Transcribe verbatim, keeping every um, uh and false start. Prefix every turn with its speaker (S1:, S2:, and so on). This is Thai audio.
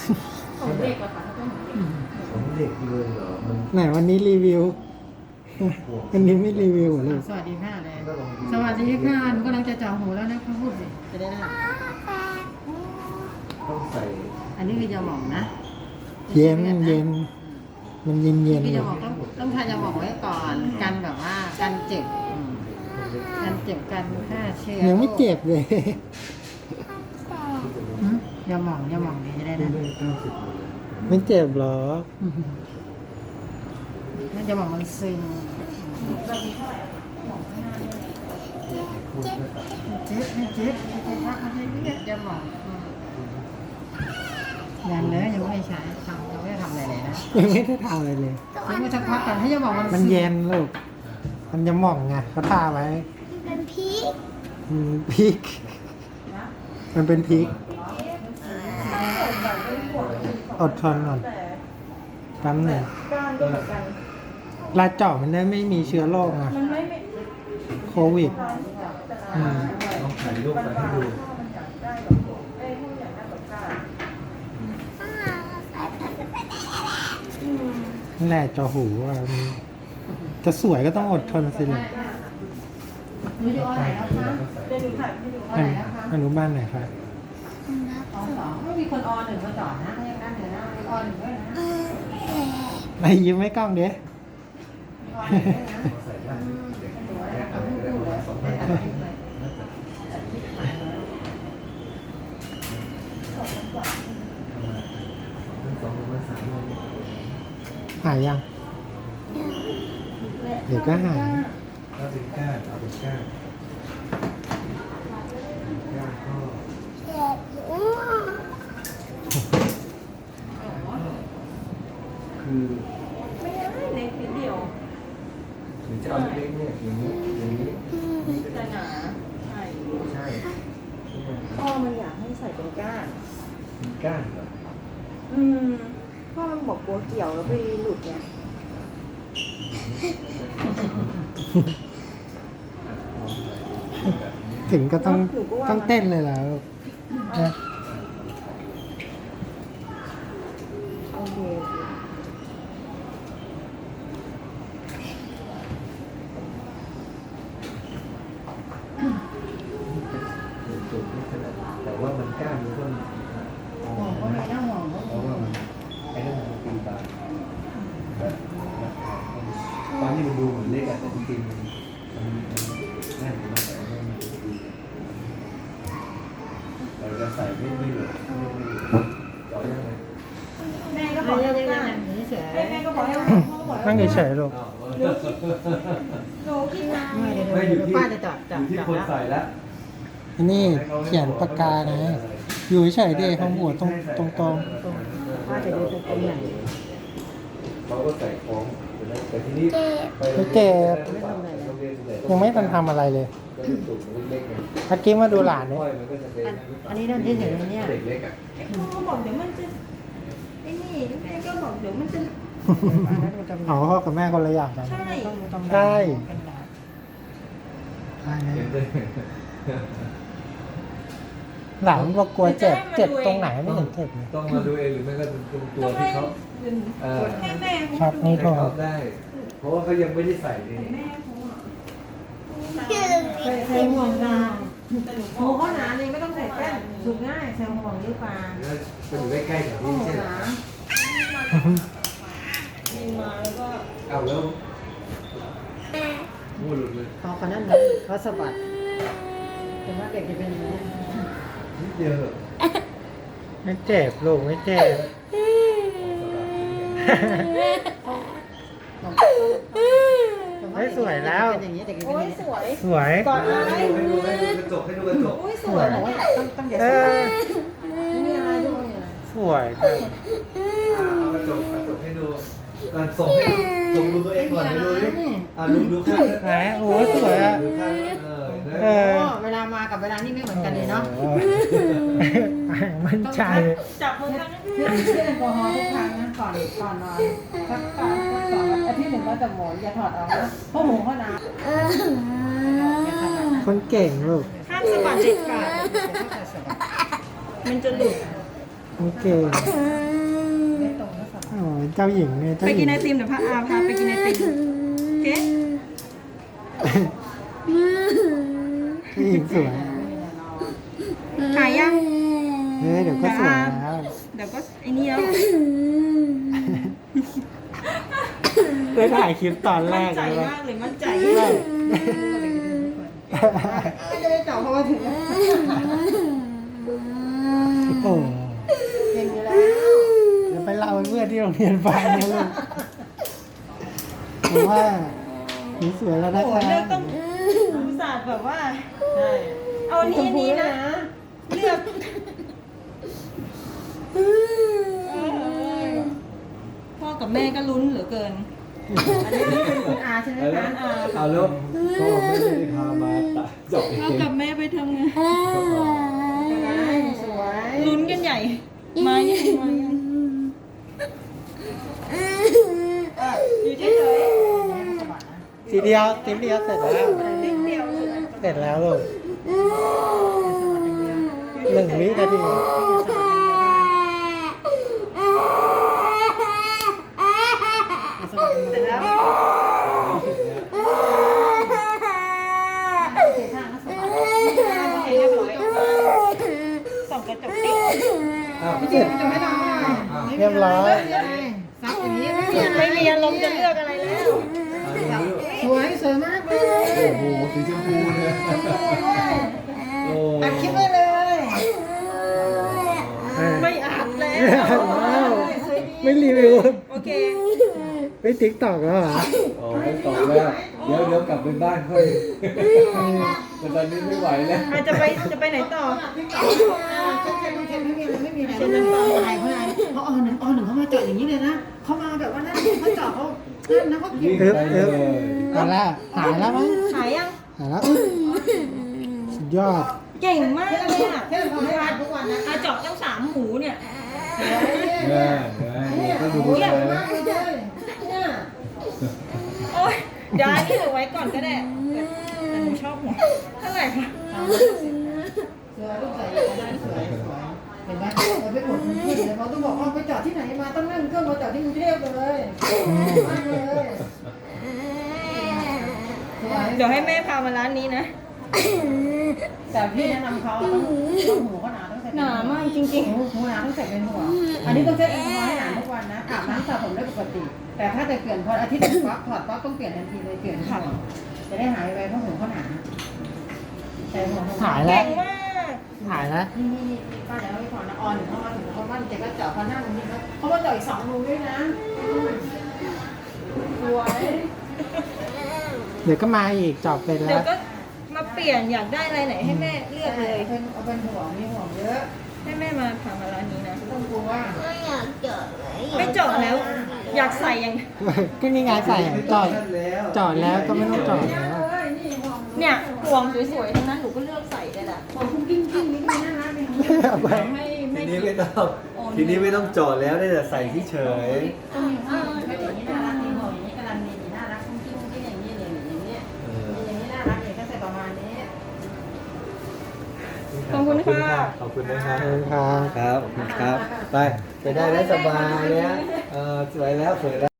S1: ของเด็กอะค่ะถ้าเป็นของเด็ก
S2: ของเด็กเลยเหรอมัน
S3: ไหนวันนี้รีวิว วันนี้ไม่รีวิวเลย
S4: สวัสดีค่ะเลยสวัสดีค่ะหนูกำลังจะเจาะหูแล้วนะคะพูดสิจะได้ได้
S2: ต้องใส่
S4: อันนี้คือยาหมองนะ
S3: เย็นเย็นมันเย็นเย็น
S4: คือยาหมองต้องต้องทานยาหมองไว้ก่อนกันแบบว่ากันเจ็บอืมกันเจ็บกันฆ่าเชื้อ
S3: ยังไม่เจ็บเลย
S4: อืมยาหมองยาหมองนี่จะได้
S2: ที่
S4: นะ
S2: ได้เก้าสิบเลย
S3: ไม่เจ็บหรอ
S4: นั่นยาหมองมันซึม
S2: คุณก็ตัด
S4: เจ็บไม่เจ็บไม่เจ็บพักอะไรเนี่ยยาหมองอืมยังเลยยังไม่ใช้ทำยังไม่ได้ทำอะไรเลยนะ
S3: ยังไม่ได้ทำอะไรเลย
S4: ยังไม่สักพักก่อนให้ยาหมองมัน
S3: มันเย็นลูก มันจะหม่องไงเขาทาไว้
S5: เป็นพีก
S3: อืมพริก มันเป็นพริก อดทนก่อนแป๊บหนึ่ง
S1: ก้านก็เหมือนกัน
S3: ลาเจาะมันได้ไม่มีเชื้อโรคไง
S1: มันไม่ไม่
S3: โควิดอืม
S2: ต้องถ่ายรูปไปให้ดู
S1: มันอยากได้แบบเอ้ยถ้ามันอยากได้แบบก้าน
S3: นั่นแหละเจาะหูอ่ะมันจะสวยก็ต้องอดทนสิลูก
S4: หนูจะเอาไหนแล้วคะ
S1: เดี๋ยวหนูถ่ายให้ดู
S4: เอาไหนแล้วคะ
S3: อนุบาลไหนคะ
S4: อสองไม่มีคนอหนึ่งมาจอดนะยังนั่นเดี๋ยวนะมีอหนึ่งด้วยนะ
S3: ไปยิ้มให้กล้องเด้
S4: มีอหนึ่งด้วยนะ
S2: ใส่ได้เด็ก
S4: สวย
S2: แค่
S4: เอา
S2: ทำ
S4: ลู
S2: ได้
S4: ก
S2: ประ
S4: เล
S2: มาณ
S4: ย
S2: สอง
S4: ได้
S2: พัน
S4: ตัดทิ้งเลย
S2: สองพันสามร้อย
S3: หายยัง เดี๋ยวก็หาย
S2: ถ้าเป็นก้านเอาเป็นก้านก้านก็
S5: เจ็บหัว
S2: คือ
S1: ไม่ได้เล็กนิดเดียว
S2: หรือจะเอาเล็กๆเนี่ยอย่างนี้อย่างนี้
S1: แต่หนาใช่
S2: ใช่
S1: พ่อมันอยากให้ใส่เป็นก้าน
S2: มีก้านเหรอ
S1: อืมพ่อมันบอกกลัวเกี่ยวแล้วไปหลุดไง
S3: ถึงก็ต้องต้องเต้นเลยแล้วนะ
S1: โอเค
S2: จุดไม่ขนาดแต่ว่ามันก้านมันก็
S4: ห่วงก็มีนะห่วงก็
S2: เพราะว่ามันไอ้นั่นมันตีตาตอนนี้มันดูเหมือนเล็กอะแต่จริงๆมันมันแน่นมากแต่ว่ามันดีเราจะใส่ไม่ไม่เหลือไม่ไม่เหลือต่อยังไง
S1: แม่ก็
S4: ก็
S1: บบ อ
S4: อก ก
S1: ให้
S4: ให้
S1: เอา
S4: ยั
S1: ก้าง น
S4: ไงเฉย
S1: แม่ก็บอกให้เอาพ่อก็บอกให้
S3: นั่ง
S1: เอา
S3: เฉยๆลูก
S1: หนูคิดหนูคิดนะ
S4: ไม่เดี๋ยว
S2: ไม่อยู่
S4: เดี๋ยว
S2: ที่
S4: ป้าจะจับ
S2: อ
S4: จับ
S2: ยู่ที่
S4: จับ
S2: คน
S4: แล้ว
S2: ใส่แล้ว
S3: อันนี้เขียนปากกานะ อยู่เฉยๆดิข้างหัวตรงตรงตรง
S4: ป้าจะดูตรงไหน
S2: เขาก็ใส่ของแต่ทีนี้ไป
S3: ไม่เจ็บยังไม่ทันทำอะไรเลย
S2: ก็เป็นตุ่มเล็กๆไง
S3: เมื่อกี้มาดูหลานเนี่ย
S2: ค่อยมันก็จะเป็น
S4: อันนี้นั่นเฉยๆเนี่ย
S2: เด็กเล็กอ่ะ
S1: พ่อก็บอกเดี๋ยวมันจะไอ้นี่แม่ก็บอกเดี๋ยวมันจะ
S3: อ๋อพ่อกับแม่คนละอย่างกัน
S1: ใช่
S4: ต้องดูตรงไหน
S3: ใช่
S4: เป็นดาบ
S3: ใช่นะ
S2: เห็นเลย
S3: หลานบอกกลัวเจ็บ เจ็บตรงไหนไม่เห็นเจ็บเลย
S2: ต้องมาดูเองหรือไม่ก็ตรงตัวที่เขาเออ
S1: ให้แม่
S3: ครับ นี่
S2: ให้เขาได้ เพราะว่าเขายังไม่ได้ใส่นี่
S1: แม่เขาอะ
S4: ใส่ใส่ห่วงดาวโอ้เขาหนาเลยไม่ต้องใส่แป้นสุกง่ายใส่ห่วงหรือเปล่า
S2: แล้วก็อยู่ใกล้ๆกับ
S4: โอ้
S2: นี่
S4: โห
S2: ใช่ไหม
S4: หนา
S1: มีมาแล้วก็
S2: เอาแล้วมูหลุดเลย
S4: พอคนนั้นเลยเขาสะบัดแต่ว่าเด็กจะเป็นอย่างนี้
S2: นิดเดียวเหรอ
S3: ไม่เจ็บลูกไม่เจ็บ เฮ้ยสวยแล้ว
S4: เป็นอย่างนี้เด็กจะเป็
S1: โอ้
S4: นอย ย่างนี้
S1: สวย
S3: สวย
S1: ก่อนอะไร
S2: ให้ดูให้ดูกระจกให้ดูกระจก
S1: โอ้ยส
S4: ส
S1: ว
S4: วย ยบอกว่าต้องต้องอย่า
S3: เอ
S4: สะบัด
S3: อ
S4: นี่อะไรด้วยอะไร
S3: สวยค่ะ
S2: เอากระจกกระจกให้ดูก่อนส่งให้ดูส่งดูตัวเองก่อนให้ดูดิอ่าดูดูข้าง
S3: ไหนโอ้ยสวยอ่ะ
S2: ดูข้างเออ
S3: เออ
S4: โอ้เวลามากับเวลานี่ไม่เหมือนกันเลยเนาะ
S3: มั่นใจ
S1: จับมือกันนะ
S4: เชื่อเชื่อแอลกอฮอล์ทุกครั้งนะก่อนก่อนนอนสักก่อนสักสองอาทิตย์หนึ่งก็จะหมุนอย่าถอดออกนะเพราะหมูเขาหนาอย่าถอดออกนะ
S3: คนเก่งลูก
S1: ข้ามสะบัดเด็ดขาดมันจะหลุด
S3: คนเก่ง
S5: เ
S3: โอ้ยเจ้าหญิงเนี่ยเจ้า
S1: ไป
S3: หญิ
S1: กิน
S3: ง
S1: ไอติมเดี๋ยวพาอาพาไปกินไอติมโอเค
S3: เจ้าหญิงสวย
S1: ถ่ายยัง
S3: เฮ้ยเดี๋ยวก็สวยแล้ว
S1: เดี๋ยวก็ไอ้นี่แล้ว
S3: ได้ถ่ายคลิปตอนแร
S1: มั่น
S3: ก
S1: ใจ
S3: เลย
S1: มากเลยมั่นใจ
S4: ไม่จะได้เจาะเพราะว่าถึงแล้ว
S3: โอ้
S4: เก่งอยู่แล้ว
S3: เดี๋ยวไปเล่าให้เพื่อนที่โรงเรียนฟังนะลูกผมว่าหนูสวยแล้วนะ
S1: โอ้
S3: คะ
S1: เลือกต้องอุตส่าห์แบบว่า
S4: ใช่
S1: เอาอันนี้อันนี้นะ เลือกเออพ่อกับแม่ก็ลุ้นเหลือเกิน
S4: อันนี้เป็นคุณอาใช่ไหม
S2: เอา
S4: คะ
S2: แล้วเอาแล้วพ่อไม่ได้พามาตัดจบเอ
S1: พ่อง กับแม่ไปทำงาน
S4: สวย
S1: ลุ้นกันใหญ่ มายังมายังอ่ะอยู่เฉย
S3: ทีเดียวทีเดียวเสร็จแล้ว
S1: ๆนิดเดียวเลย
S3: เสร็จแล้วลูกหนึ่งวินาที
S1: เสร็จแล้ว
S4: เสียท่านะสบาย
S1: เรียบร้อยส่องกระจกติ๊ก
S2: อ้าว
S3: เสร็จ
S4: จะไม่ทำอะไร
S3: เรียบร้อย
S4: ซักอย่างนี้ไม่มีอะไร
S1: ไม่มีอารมณ์จะเลือกอะไรแล้ว
S4: สวยสวยมากเลย
S2: โอ้โหสีชมพูเนี่ยโอ้
S4: อัดคลิปไว้เลย
S1: ไม่อัดแล้ว
S3: ว้าวไม่รีวิว
S1: โอเค
S3: ไม่ติ๊กตอกแล้วเหรอ
S2: โอ้ไม่ตอบแล้วเดี๋ยวเดี๋ยวกลับไปบ้านค่อยแต่ตอนนี้ไม่ไหวแล้ว
S1: อาจจะไปจะไปไหนต่อ
S4: เช็คเช็คเช็คไม่มีอะไรไม่มีอะไรไม่มีอะไรเพราะอะไรเพราะอหนึ่งอหนึ่งเขามาเจาะอย่างนี้เลยนะเขามาแบบว่านั่นเขาเจาะเขานั่นนะเขาเก็บ
S2: วิ่งไปเลย
S3: เอาละหายแล้วมั้ง
S1: หายยัง
S3: หายแล้วสุดยอด
S1: เก่งมากเลยอ่ะ
S4: เที่ยวทำให้ทุกวันนะ
S1: อาเจาะตั้งสามหูเนี่ย
S2: เนี่ยเนี่ยก็ดู
S4: โอ้ย
S2: เล
S4: ใหญ่มาก
S2: ย
S4: เลยเนี่ย
S1: โอ้ยเดี๋ยวอันนี้เหลือไว้ก่อนก็ได้แต่หนูชอบหัวเท่าไหร่คะ
S4: สวยลูกใส่ได้สวยสวยเห็นไหมเราไปกดมันขึ้นเลยเขาต้องบอกว่าไปจอดที่ไหนมาต้องนั่งเครื่องมาจอดที่กรุงเทพเลยมาเลยสวย
S1: เดี๋ยวให้แม่พามาร้านนี้นะ
S4: แต่พี่แนะนำเขาต้องต้องหูเขาหนาต้องใส่
S1: หนามากจริง
S4: หูหูหนาต้องใส่เป็นหัวอันนี้ต้องเช็ดแอลกอฮอล์ให้หนาทุกวันนะอาบน้ำสระผมได้ปกติ แต่ถ้าจะเปลี่ยนพออาทิตย์หนึ่งปั๊บถอดปั๊บต้องเปลี่ยนทันทีเลยเปลี่ยนหัวจะได้หายไปเพราะหูเขาหนาใส่หัว
S3: หาย
S1: ๆ
S3: แล้
S1: เก่
S3: ว
S1: งมาก
S3: หายแล้ว
S4: นี่นี่นี่ป้าเดี๋ยวเราไปถอนนะออนเขามาถึงเขาบ้านเจ๊ก็เจาะเขานั่งตรงนี้เขาเขามาเจาะอีกสองรูด้วยนะสวย
S3: เดี๋ยวก็มาอีกจอบเป็น
S1: เดี๋
S3: แล้
S1: ยว วก็มาเปลี่ยนอยากได้อะไรไหนให้แม่เลือกเลย
S4: เป็นเอาเป็นห่วงมีห่วงเยอะ
S1: ให้แม่มาพามาร้านนี้นะ
S4: ต้องกลัวว่า
S5: ไม่อยากเจอดเลย
S1: ไม่เจาะแล้ว อยากใส่ยัง
S3: ก็นี่ไงใส่จอด
S2: แล้ว
S3: จอดแล้วก็ไม่ต้องจอดแล้ว
S4: เอ้ยนี่ห่วง
S1: เนี่ยห่วงสวยๆทั้งนั้นหนูก็เลือกใส่เลยแหละ
S4: ห่วงคุ้งกิ้งกิ้งนี่ก็น่ารักเลย
S1: ไม่
S2: ที
S1: ไม่
S2: นี้ไม่ต้องทีนี้ไม่ต้องจอดแล้วได้แต่ใส่ที่เฉย
S4: ต้องมีห่วงไม่อย่างนี้น่ารักนี่ห่วงอย่างนี้กำลังดีน่ารักคุ้งกิ้งกิ้งอย่างนี้เลยอย่างนี้อย่างนี้น่ารักเลยก็ใส่ประมาณนี้
S1: ขอบคุณค่ะ
S2: ขอบคุณนะครับ
S3: ขอบคุณครับ
S2: ครับขอบคุณครับ ไป ไปได้แล้วสบายแล้วเออสวยแล้วสวยแล้ว